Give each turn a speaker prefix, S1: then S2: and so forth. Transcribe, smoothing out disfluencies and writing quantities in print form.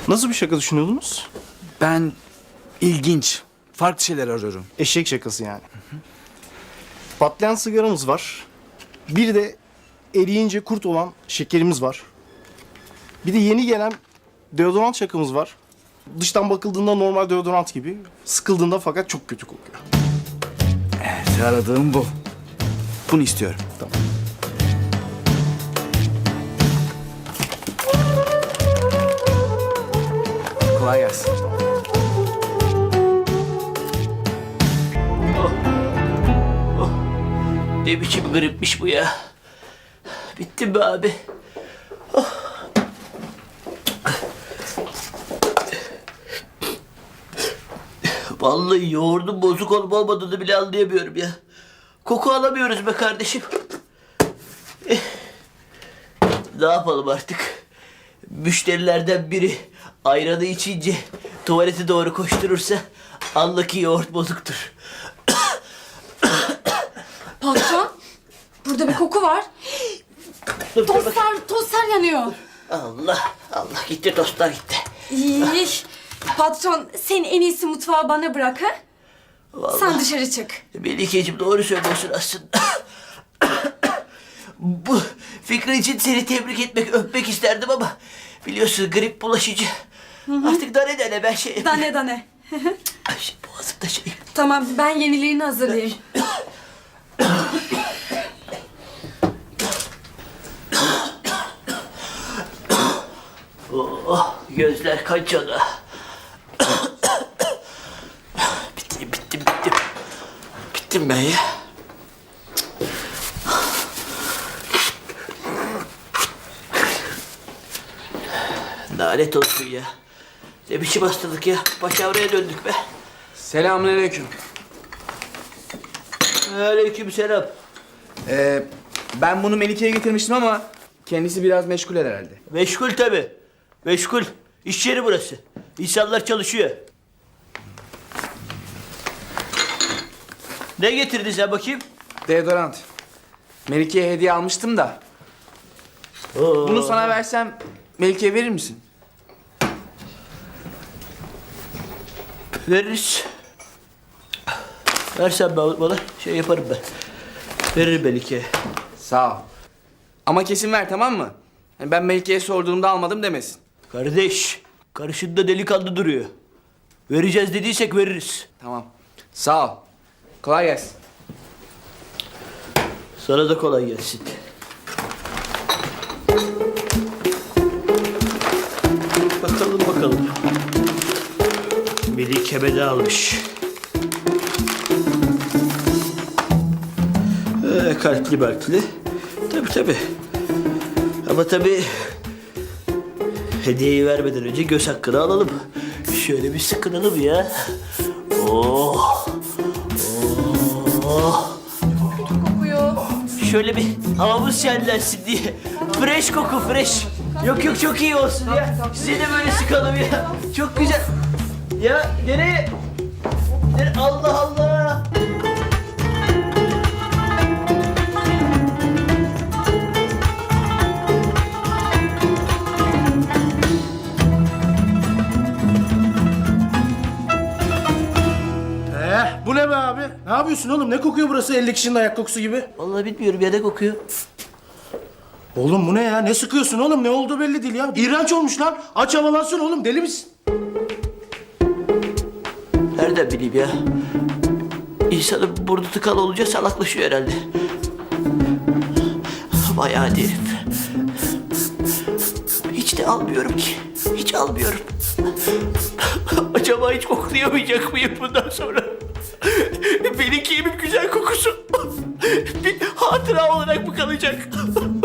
S1: Nasıl bir şaka düşünüyordunuz?
S2: Ben ilginç, farklı şeyler arıyorum.
S1: Eşek şakası yani. Patlayan sigaramız var. Bir de eriyince kurt olan şekerimiz var. Bir de yeni gelen deodorant şakamız var. Dıştan bakıldığında normal deodorant gibi. Sıkıldığında fakat çok kötü kokuyor.
S2: Evet, aradığım bu. Bunu istiyorum.
S1: Tamam.
S2: Kolay gelsin.
S3: Ne biçim gripmiş bu ya? Bittim be abi. Vallahi yoğurdun bozuk olup olmadığını bile anlayamıyorum ya. Koku alamıyoruz be kardeşim. Ne yapalım artık? Müşterilerden biri ayranı içince tuvalete doğru koşturursa anla ki yoğurt bozuktur.
S4: Patron, burada bir koku var.
S3: Dur, dur bak.
S4: Tostlar yanıyor.
S3: Allah gitti tostlar gitti.
S4: İyi. Patron, sen en iyisi mutfağı bana bırak ha?
S3: Vallahi.
S4: Sen dışarı çık.
S3: Melikeciğim doğru söylüyorsun aslında. Bu fikri için seni tebrik etmek, öpmek isterdim ama biliyorsun grip bulaşıcı. Artık dane ben şey yapayım.
S4: Dane.
S3: Ay, boğazımda şey.
S4: Tamam, ben yenilerini hazırlayayım.
S3: Oh, gözler kaçadı. Bittim. Bittim ben ya. Lanet olsun ya. Ne biçim hastalık ya. Başavraya döndük be.
S2: Selamünaleyküm.
S3: Aleykümselam.
S2: Ben bunu Melike'ye getirmiştim ama kendisi biraz meşgul herhalde.
S3: Meşgul tabii. Meşgul. İş yeri burası. İnsanlar çalışıyor. Ne getirdin sen bakayım?
S2: Deodorant. Melike'ye hediye almıştım da. Bunu sana versem Melike'ye verir misin?
S3: Veririz. Versen bana şey yaparım ben. Veririm belki.
S2: Sağ ol. Ama kesin ver, tamam mı? Yani ben Melike'ye sorduğumda almadım demesin.
S3: Kardeş, karşında delikanlı duruyor. Vereceğiz dediysek veririz.
S2: Tamam. Sağ ol. Kolay gelsin.
S3: Sana da kolay gelsin. Bakalım. Melike de almış. Kalpli. Tabii. Ama tabii hediyeyi vermeden önce göz hakkını alalım. Şöyle bir sıkınalım ya. Oh.
S4: Kokuyor.
S3: Şöyle bir havamız şenlensin diye. Fresh koku, fresh. Yok çok iyi olsun ya. Size de böyle sıkalım ya. Çok güzel. Ya nereye? Allah.
S1: Bu ne be abi? Ne yapıyorsun oğlum? Ne kokuyor burası 50 kişinin ayak kokusu gibi?
S3: Vallahi bilmiyorum ya ne kokuyor.
S1: Oğlum bu ne ya? Ne sıkıyorsun oğlum? Ne olduğu belli değil ya. İğrenç olmuş lan. Aç havalansın oğlum. Deli misin?
S3: Nereden bileyim ya? İnsanın burnu tıkalı olunca salaklaşıyor herhalde. Bayağı herif. Hiç de almıyorum ki. Hiç almıyorum. Acaba hiç koklayamayacak mıyım bundan sonra? Benimki güzel kokusu bir hatıra olarak mı kalacak?